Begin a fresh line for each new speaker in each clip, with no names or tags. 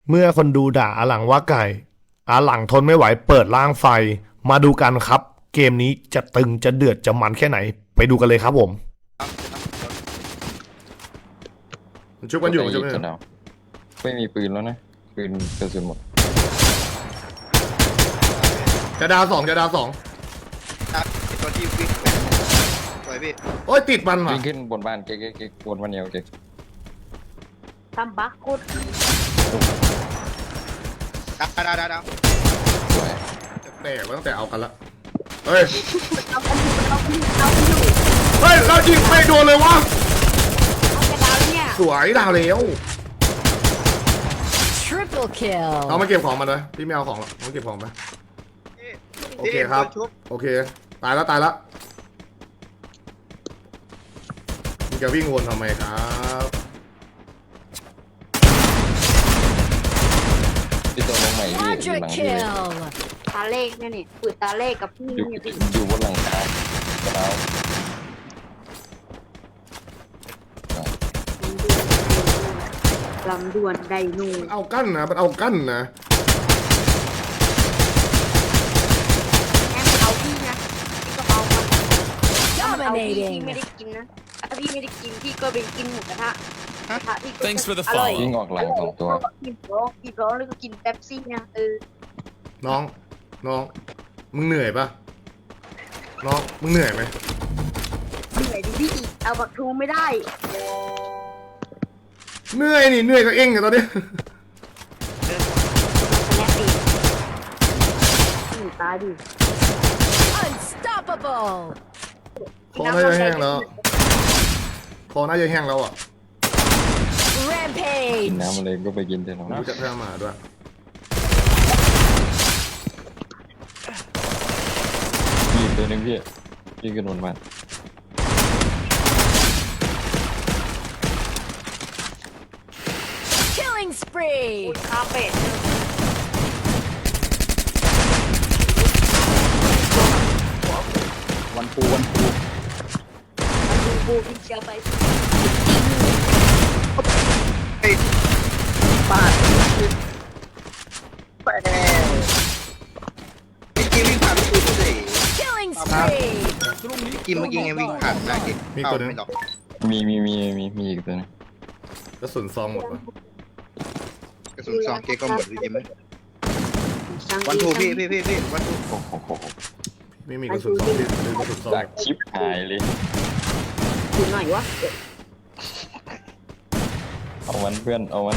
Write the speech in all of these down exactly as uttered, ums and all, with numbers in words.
เมื่อคนดูด่าอาหลังว่าไก่อาหลังทนไม่ไหวเปิดร่างไฟมาดูกันครับ เกมนี้จะตึงจะเดือดจะมันแค่ไหนไปดูกันเลยครับผมมันชุบกันอยู่ใช่ไหม
ไม่มีปืนแล้วนะปืนกระสุนหมด
จะดาวสองจะดาวสอง
ตัวที่วิ่งสวยพี่
โอ้ยติดมันว่ะ
วิ่งขึ้นบนบ้านเก๊กเก๊กบนบ้านเดียวเก๊ก
ทำบักกุด
ดาวดาวดาวดาว
สวย
แตกตั้งแต่เอากันละเฮ้ย
เอาไปอยู่เอาไปอยู่เอาไปอยู่
เฮ้ยเรายิงไม่โดนเลยวะ
เอาไปดาวเนี่ย
สวยดาวแล้ว
Triple kill
เอามาเก็บของมาเลยพี่ไม่เอาของหรอกเอาเก็บของไปโอเคครับโอเคตายแล้วตายแล้วมึงจะวิ่งวนทำไมครับ
ที่ตัวลงใหม่พี่อยู่หลังพี่เลย
ตาเลขเนี่ยนี่ปืนตาเลขกับพี่
อยู่
เนี่ยพี่
อยู่บนหลังคากระดาว
ลำดวนไดนู
มันเอากั้นนะมันเอากั้นนะ
แค่เอาพี่นะพี่ก็เอามาเอาพี่พี่ไม่ได้กินนะถ้าพี่ไม่ได้กินพี่ก็ไปกินหมูกระทะกระทะพี่ก็อร่อย
ยิงออกหลังสองตัว
กินร้องกินร้องแล้วก็กินเป๊ปซี่นะเออ
น้องน้องมึงเหนื่อยปะน้องมึงเหนื่อยไหม
เหนื่อยดิพี่เอาบักทูไม่ได้
เหนื่อยนี่เหนื่อยกับเองอะตอนนี้
แน่ปีหนูตาดิ
Unstoppable
คอน่าจะแห้งแล้วคอน่าจะแห้งแล้วอ่ะ
กิน
Rampage
น้ำอะไรก็ไปกินเถอะน้อง
รู้จักแพ้มาด้วย
มีตัวนึงพี่พี่ขึ้นบนบ้าน
Spree
คาเฟ่
วันปูวันปู
บูบูพี่เชียร์ไป
ไอ้ปาดไปแล้วพี่กิมวิ่งผ่านประตูเลย
Killing spree
กิมเมื่อกี้ไงวิ่งผ่านได้เด็กมีตัวนึง
มีมีมีมีมีอีกตัวนึง
กระสุนซองหมดปะ
กระสุนซองเก๊กก็หมดพี่กิมวันทูพี่พี่พี่พี่วันทู
โอ้โห
ไม่มีกระสุนซองที่มีกระสุนซอง
จากชิปหายเลย
ดูหน่อยวะ
เอาวันเพื่อนเอาวัน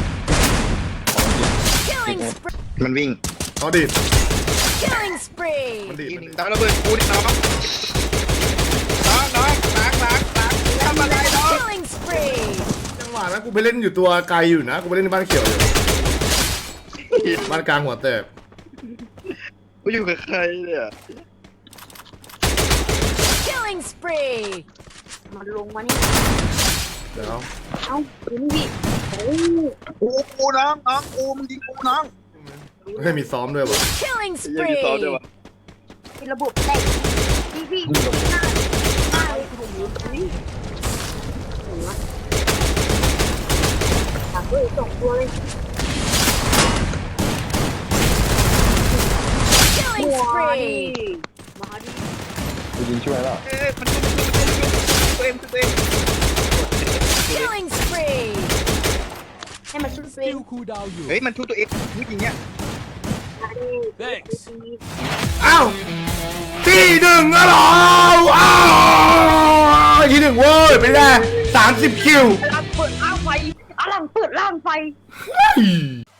มันวิ่ง
เอาดิ
Killing spree
มันดิ
ดาวระเบิดกูดิน้องน้องน้องล้างล้างล้างทำอะไรน้อง
Killing spree
จังหวะนั้นกูไปเล่นอยู่ตัวไกลอยู่นะกูไปเล่นในบ้านเขียวอยู่บ้านกลางหัวแตก
กูอยู่กับใครเนี่ย
Killing spree
มันลงมานี่
เดี๋ยว
เอ้าดูนี่โอ้
กูกูน้องน้องกูมึงยิงกูน้อง
ให้มีซ้อมด้วยวะ
Killing
ยังมี
spree
ซ้อมด้วยวะ
มีระบบแตกพี่พี่หน้าหน้าเลยผมรู้นี่เห็นไหมตัดด้วยสองตัวเลย
Killing spree
มาดิ
กูยิงช่วยแล้ว
เอ้ยมันชุบมันชุบมันชุบตัวเองตัวเอง
Killing spree
ให้มันชุบตัวเอง
เฮ้ยมันชุบตัวเองผู้หญิงเนี่ย
อ้าวที่หนึ่งอะหรออ้าวที่หนึ่งเว้ยเป็นไงสามสิบคิว
อลังเปิดล่างไฟอลังเปิดล่างไฟ